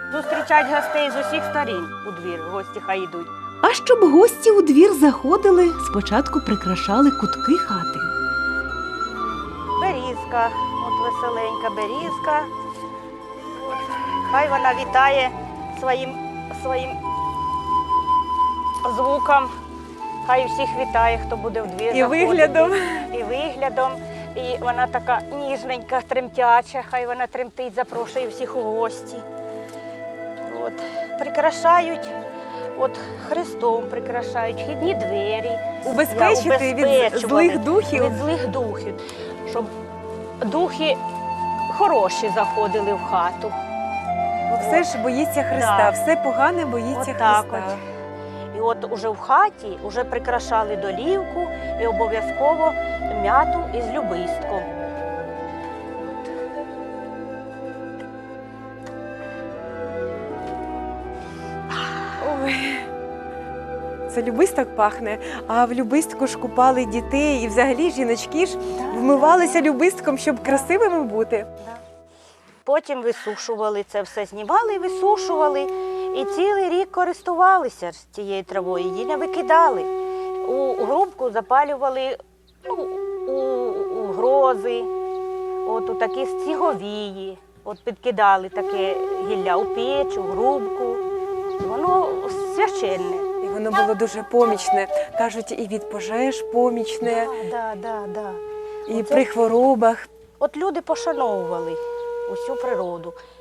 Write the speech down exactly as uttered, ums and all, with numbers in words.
Зустрічать гостей з усіх сторін у двір, гості хай йдуть. А щоб гості у двір заходили, спочатку прикрашали кутки хати. Берізка, от веселенька берізка. От. Хай вона вітає своїм, своїм звуком. Хай всіх вітає, хто буде в двір І заходити. виглядом. І виглядом. І вона така ніжненька, тремтяча, хай вона тремтить, запрошує всіх у гості. От. Прикрашають, от хрестом прикрашають, вхідні двері. Убезпечити від Убезпечували злих духів. Від злих духів, щоб духи хороші заходили в хату. Бо все ж боїться Христа, Да. все погане боїться От так Христа. от. І от уже в хаті вже прикрашали долівку і обов'язково м'яту із любистком. Ой. Це любисток пахне, а в любистку ж купали дітей і взагалі жіночки ж вмивалися любистком, щоб красивими бути. Потім висушували це все, знімали і висушували. І цілий рік користувалися ж цією травою, її не викидали. У грубку запалювали ну, у, у грози, от у такі стіговії. От підкидали таке гілля у печ, у грубку. Воно священне. І воно було дуже помічне. Кажуть, і від пожеж помічне, Да, да, да. і Оце- при хворобах. От люди пошановували усю природу.